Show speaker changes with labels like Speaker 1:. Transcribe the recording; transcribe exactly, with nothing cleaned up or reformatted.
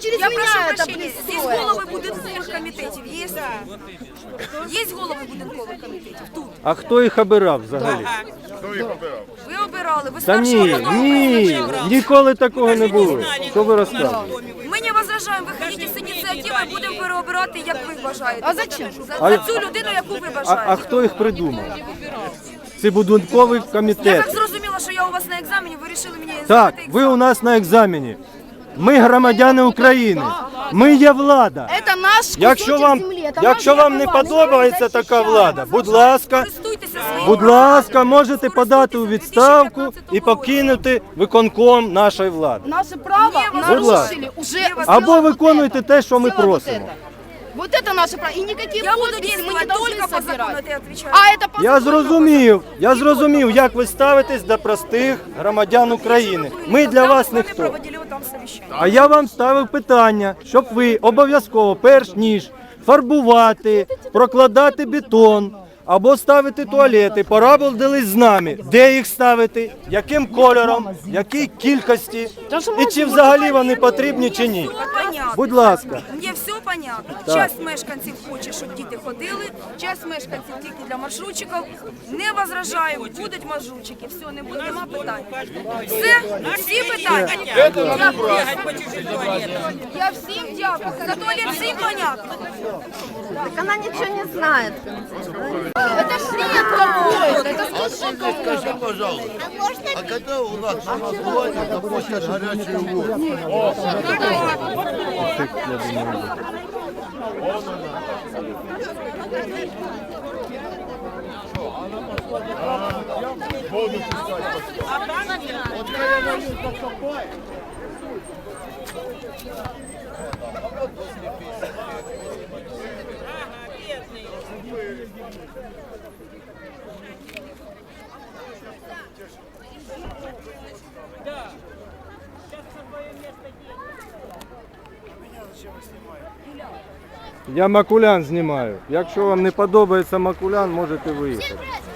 Speaker 1: через
Speaker 2: Я
Speaker 1: меня
Speaker 2: прошу
Speaker 1: это
Speaker 2: прощения, здесь
Speaker 1: пристроили.
Speaker 2: голови будинкових комітетів є? Є голови будинкових комітетів? Тут.
Speaker 3: А хто їх обирав взагалі?
Speaker 2: Ви обирали, ви
Speaker 3: Та
Speaker 2: старшого
Speaker 3: ні,
Speaker 2: потім
Speaker 3: ні,
Speaker 2: визначали.
Speaker 3: ніколи такого не було. Що ви розказуєте?
Speaker 2: Ми не возражаємо, виходіть з ініціативи, будемо переобирати, як ви бажаєте.
Speaker 1: А зачем?
Speaker 2: За,
Speaker 3: А-
Speaker 2: за цю людину, яку ви
Speaker 3: А,
Speaker 2: бажаєте.
Speaker 3: а хто їх придумав? Це будинковий
Speaker 2: Я так
Speaker 3: комітет.
Speaker 2: зрозуміла, що я у вас на екзамені, ви вирішили мені
Speaker 3: Так,
Speaker 2: здати
Speaker 3: ви
Speaker 2: екзамен.
Speaker 3: у нас на екзамені. Ми громадяни України. Ми є влада.
Speaker 1: Это наш
Speaker 3: Якщо
Speaker 1: кусочек
Speaker 3: вам,
Speaker 1: земли, это
Speaker 3: якщо
Speaker 1: наша
Speaker 3: вам не
Speaker 1: голова. Мы
Speaker 3: подобається
Speaker 1: ее
Speaker 3: така
Speaker 1: защищаем.
Speaker 3: влада, будь ласка,
Speaker 2: Користуйтеся своїм
Speaker 3: будь
Speaker 2: правом.
Speaker 3: ласка, можете подати у відставку і
Speaker 2: покинути.
Speaker 3: покинути виконком нашої влади.
Speaker 1: Наше право
Speaker 2: Не
Speaker 1: нарушили уже.
Speaker 3: Або
Speaker 1: сделала вот
Speaker 3: виконуйте
Speaker 1: это.
Speaker 3: те, що ми
Speaker 1: Сделала вот
Speaker 3: просимо.
Speaker 1: это. Вот это наше право. И никакие
Speaker 2: Я буду
Speaker 1: подписи мы не
Speaker 2: действовать
Speaker 1: должны
Speaker 2: только по закону,
Speaker 1: собирать.
Speaker 2: это я отвечаю.
Speaker 1: А это по
Speaker 3: Я
Speaker 1: закону.
Speaker 3: зрозумів, я зрозумів, як ви ставитесь до простих громадян України. Ми для вас
Speaker 2: Когда мы с вами
Speaker 3: ніхто.
Speaker 2: проводили вот там совещание.
Speaker 3: А я вам ставив питання, щоб ви обов'язково, перш ніж фарбувати, прокладати бетон або ставити туалети, порадились з нами, де їх ставити, яким кольором, якій кількості, і чи взагалі вони потрібні чи ні.
Speaker 2: Все понятно.
Speaker 3: Будь ласка.
Speaker 2: Мені все понятно.
Speaker 3: Так.
Speaker 2: Часть мешканців хоче, щоб діти ходили, часть мешканців тільки для маршрутчиків. Не возражаю, будуть маршрутчики, все, не буде, нема питань. Все, всі питання. Дякую. Я всім дякую. За туалет всім понятно.
Speaker 4: Так она ничего не знает.
Speaker 1: Это ж бред какой-то. Это слушай,
Speaker 5: Скажи, пожалуйста, а когда у нас голосование на площадь горячей воды?
Speaker 3: Я Макулян знімаю. Якщо вам не подобається Макулян, можете виїхати.